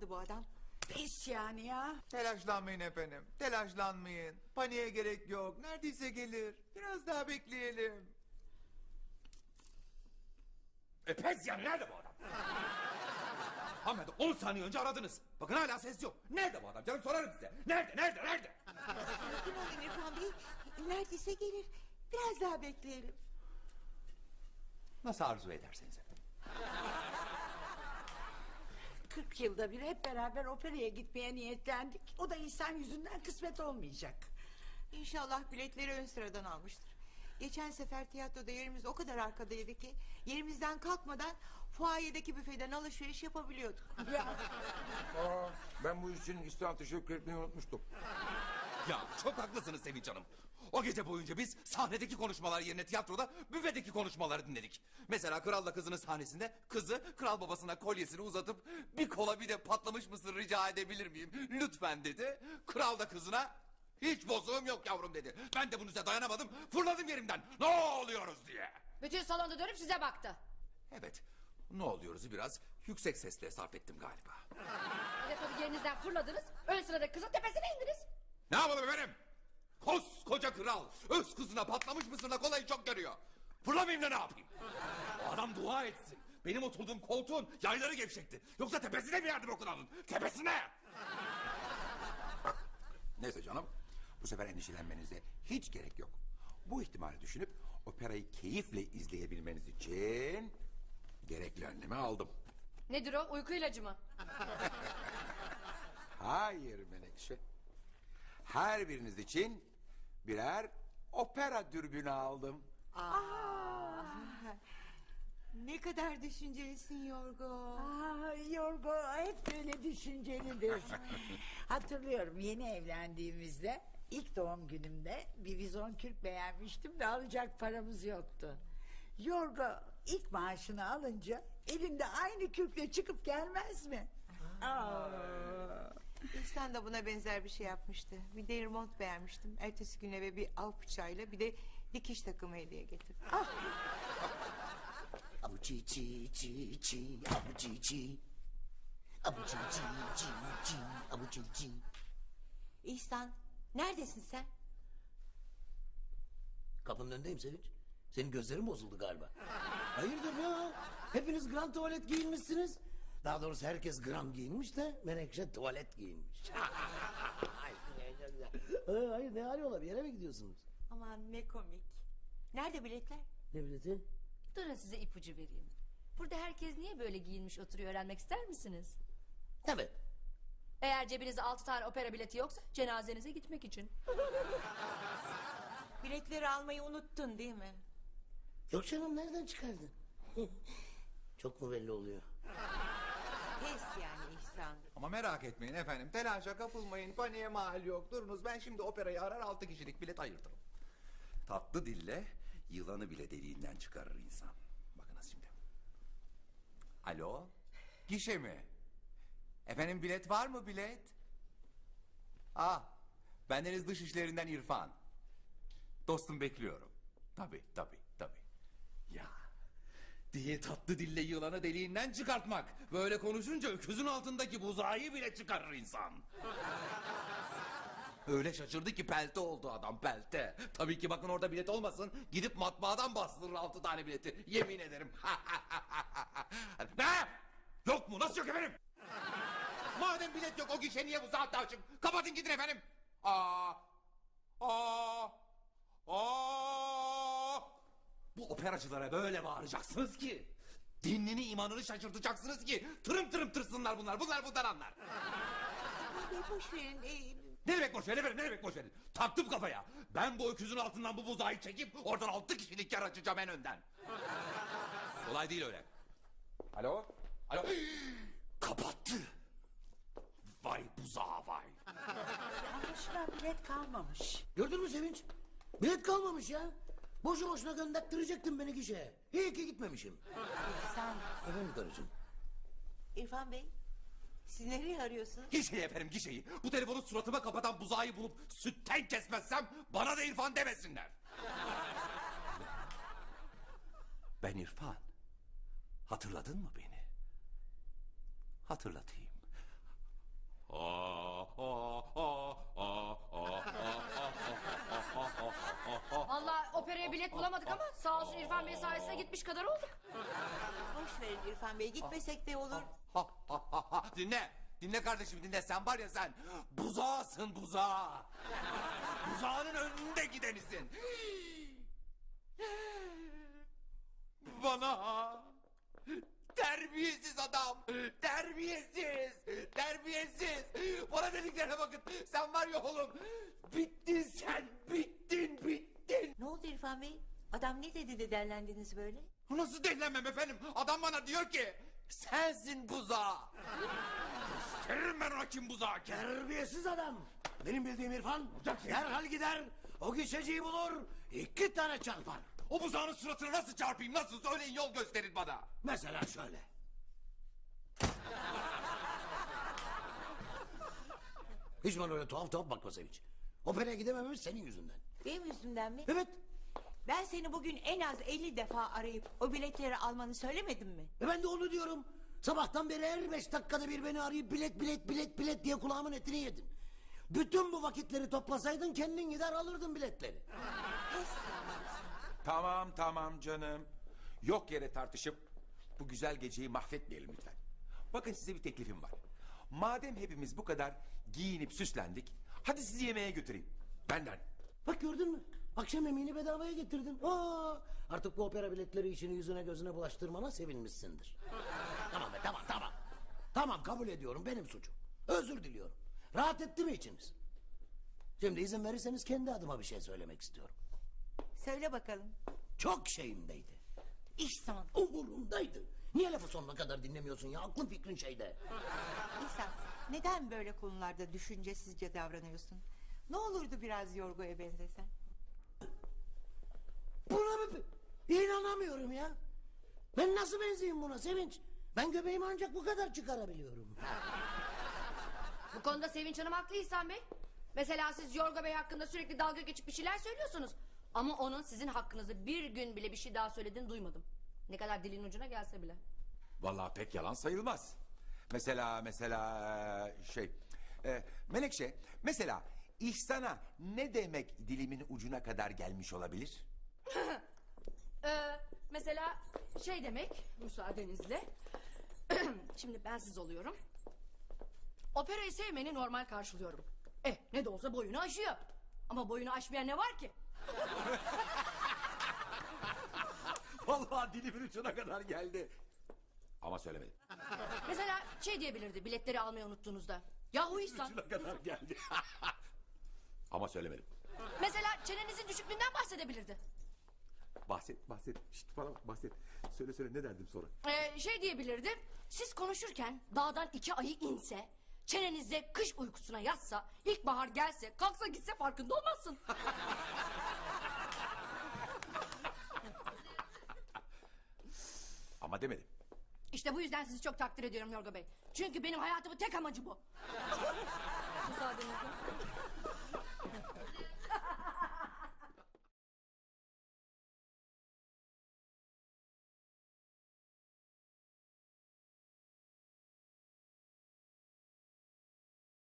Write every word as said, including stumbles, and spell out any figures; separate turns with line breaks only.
çıktı bu adam?
Pis yani ya.
Telaşlanmayın efendim. Telaşlanmayın. Paniğe gerek yok. Neredeyse gelir. Biraz daha bekleyelim.
E pes yani, nerede bu adam? Hanımefendi on saniye önce aradınız. Bakın hala ses yok. Nerede bu adam canım, sorarım size. Nerede nerede nerede?
Sakin olun İrfan Bey. Neredeyse gelir. Biraz daha bekleyelim.
Nasıl arzu ederseniz efendim.
Kırk yılda bir hep beraber operaya gitmeye niyetlendik. O da insan yüzünden kısmet olmayacak.
İnşallah biletleri ön sıradan almıştır. Geçen sefer tiyatroda yerimiz o kadar arkadaydı ki yerimizden kalkmadan fuayedeki büfeden alışveriş yapabiliyorduk.
Aa, ben bu iş için İhsan teşekkür etmeyi unutmuştum.
Ya çok haklısınız Sevinç Hanım. O gece boyunca biz sahnedeki konuşmalar yerine tiyatroda büfedeki konuşmaları dinledik. Mesela Kralla Kızı'nın sahnesinde kızı kral babasına kolyesini uzatıp bir kola bir de patlamış mısır rica edebilir miyim lütfen dedi. Kral da kızına hiç bozuğum yok yavrum dedi. Ben de bunun üstüne dayanamadım, fırladım yerimden ne oluyoruz diye.
Bütün salonda dönüp size baktı.
Evet, ne oluyoruz'u biraz yüksek sesle sarf ettim galiba.
Bir de tabii yerinizden fırladınız. Ön sıradaki kızın tepesine indiniz.
Ne yapalım efendim? Koskoca kral öz kızına patlamış mısırla kolayı çok görüyor. Fırlamayayım da ne yapayım? O adam dua etsin. Benim oturduğum koltuğun yayları gevşekti. Yoksa tepesine mi yardım okunalım? Tepesine!
Neyse canım, bu sefer endişelenmenize hiç gerek yok. Bu ihtimali düşünüp operayı keyifle izleyebilmeniz için gerekli önlemi aldım.
Nedir o, uyku ilacı mı?
Hayır Menekşe. Her biriniz için birer opera dürbünü aldım.
Ne kadar düşüncelisin Yorgo.
Aa, Yorgo hep böyle düşüncelidir. Hatırlıyorum yeni evlendiğimizde ilk doğum günümde bir vizon kürk beğenmiştim de alacak paramız yoktu. Yorgo ilk maaşını alınca elinde aynı kürkle çıkıp gelmez mi? Aa.
İhsan da buna benzer bir şey yapmıştı. Bir deri mont beğenmiştim. Ertesi gün eve bir av bıçağıyla bir de dikiş takımı hediye getirdim.
Abu çi çi çi çi, abu çi çi. Abu çi çi çi çi, abu çi çi.
İhsan, neredesin sen?
Kapının önündeyim Sevinç. Senin gözlerin bozuldu galiba. Hayırdır ya? Hepiniz grand tuvalet giyinmişsiniz. Daha doğrusu herkes gram giyinmiş de Menekşe tuvalet giyinmiş. Ee, hayır ne arıyorlar, bir yere mi gidiyorsunuz?
Aman ne komik. Nerede biletler?
Ne bileti?
Durun size ipucu vereyim. Burada herkes niye böyle giyinmiş oturuyor, öğrenmek ister misiniz?
Evet.
Eğer cebinizde altı tane opera bileti yoksa cenazenize gitmek için.
Biletleri almayı unuttun değil mi?
Yok canım, nereden çıkardın? Çok mu belli oluyor?
Pes yani İhsan.
Ama merak etmeyin efendim. Telaşa kapılmayın. Paniğe mahal yok. Durunuz, ben şimdi operayı arar altı kişilik bilet ayırtırım.
Tatlı dille yılanı bile deliğinden çıkarır insan. Bakınız şimdi.
Alo? Gişe mi? Efendim bilet var mı bilet? Ah, bendeniz dış işlerinden İrfan. Dostum bekliyorum. Tabii tabii tabii.
Ya diye tatlı dille yılanı deliğinden çıkartmak. Böyle konuşunca öküzün altındaki buzağıyı bile çıkarır insan. Öyle şaşırdı ki pelte oldu adam, pelte. Tabii ki bakın orada bilet olmasın, gidip matbaadan bastırır altı tane bileti. Yemin ederim. Ne? Yok mu? Nasıl yok efendim? Madem bilet yok, o gişe niye bu saatte açık? Kapatın gidin efendim. Aa, aa, aa. Bu operacılara böyle bağıracaksınız ki, dinini imanını şaşırtacaksınız ki tırım tırım tırsınlar bunlar. Bunlar bundan anlar.
Abi boş verin. Ee,
Ne demek boş verin efendim, ne demek boş verin? Taktım kafaya. Ben bu öküzün altından bu buzağı çekip oradan altı kişilik yer açacağım en önden. Kolay değil öyle. Alo? Alo? Kapattı. Vay buzağı vay.
Anlaşılan bilet kalmamış.
Gördün mü Sevinç? Bilet kalmamış ya. Boşu boşuna gönderttirecektin beni gişeye. İyi ki gitmemişim.
İhsan,
Efendim karıcığım.
İrfan Bey, siz nereye arıyorsunuz?
Gişeyi efendim, gişeyi. Bu telefonu suratıma kapatan buzağı bulup sütten kesmezsem bana da İrfan demesinler. Ben İrfan. Hatırladın mı beni? Hatırlatayım.
operaya bilet bulamadık ama sağ olsun İrfan Bey sayesinde gitmiş kadar olduk.
Boş verin İrfan Bey, gitmesek de olur.
Ha, ha, ha, ha. Dinle. Dinle kardeşim dinle. Sen var ya sen buzağısın buzağı. Buzağının önünde gidenisin. Bana terbiyesiz adam. Terbiyesiz. Terbiyesiz. Bana dediklerine bakın. Sen var ya oğlum. Bittin sen. Bittin bittin.
Ne oldu İrfan Bey? Adam ne dedi de derlendiniz böyle?
Nasıl delilenmem efendim? Adam bana diyor ki sensin buzağı. Gösteririm ben ona kim buzağı kim.
Terbiyesiz adam. Benim bildiğim İrfan derhal gider, o gişeciyi bulur, iki tane çarpar.
O buzağının suratına nasıl çarpayım? Nasıl? Söyleyin yol gösterin bana.
Mesela şöyle. Hiç bana öyle tuhaf tuhaf bakma Sevinç. Operaya gidemememiz senin yüzünden.
Benim yüzümden mi?
Evet.
Ben seni bugün en az elli defa arayıp o biletleri almanı söylemedim mi?
E ben de onu diyorum. Sabahtan beri her beş dakikada bir beni arayıp bilet bilet bilet bilet diye kulağımın etini yedin. Bütün bu vakitleri toplasaydın kendin gider alırdın biletleri.
Tamam tamam canım. Yok yere tartışıp bu güzel geceyi mahvetmeyelim lütfen. Bakın size bir teklifim var. Madem hepimiz bu kadar giyinip süslendik, hadi sizi yemeğe götüreyim. Benden.
Bak gördün mü? Akşam yemeğini bedavaya getirdin. Aa, artık bu opera biletleri işini yüzüne gözüne bulaştırmana sevinmişsindir. Tamam be tamam tamam. Tamam kabul ediyorum benim suçum. Özür diliyorum. Rahat etti mi içiniz? Şimdi izin verirseniz kendi adıma bir şey söylemek istiyorum.
Söyle bakalım.
Çok şeyimdeydi.
İhsan.
Umurumdaydı. Niye lafı sonuna kadar dinlemiyorsun ya? Aklın fikrin şeyde.
İhsan, neden böyle konularda düşüncesizce davranıyorsun? Ne olurdu biraz Yorgo'ya benzesen?
Buna mı? İnanamıyorum ya. Ben nasıl benzeyeyim buna Sevinç? Ben göbeğimi ancak bu kadar çıkarabiliyorum.
Bu konuda Sevinç Hanım haklı İhsan Bey. Mesela siz Yorgo Bey hakkında sürekli dalga geçip bir şeyler söylüyorsunuz. Ama onun sizin hakkınızda bir gün bile bir şey daha söylediğini duymadım. Ne kadar dilin ucuna gelse bile.
Vallahi pek yalan sayılmaz. Mesela mesela şey e, Menekşe mesela İhsan'a ne demek dilimin ucuna kadar gelmiş olabilir?
Ee, mesela şey demek müsaadenizle. Şimdi ben siz oluyorum. Operayı sevmeni normal karşılıyorum. Eh ne de olsa boyunu aşıyor. Ama boyunu aşmayan ne var ki?
Vallahi dilimin ucuna kadar geldi. Ama söylemedim.
Mesela şey diyebilirdi biletleri almayı unuttuğunuzda. Yahu İhsan.
Ucuna kadar geldi. Ama söylemedim.
Mesela çenenizin düşüklüğünden bahsedebilirdi.
Bahset bahset. Şişt, bana bak, bahset. Söyle söyle ne derdim sonra?
Ee, şey diyebilirdi. Siz konuşurken dağdan iki ayı inse, çenenizde kış uykusuna yatsa, ilkbahar gelse, kalksa gitse farkında olmazsın.
Ama demedim.
İşte bu yüzden sizi çok takdir ediyorum Yorgo Bey. Çünkü benim hayatımın tek amacı bu. Müsaadenizle.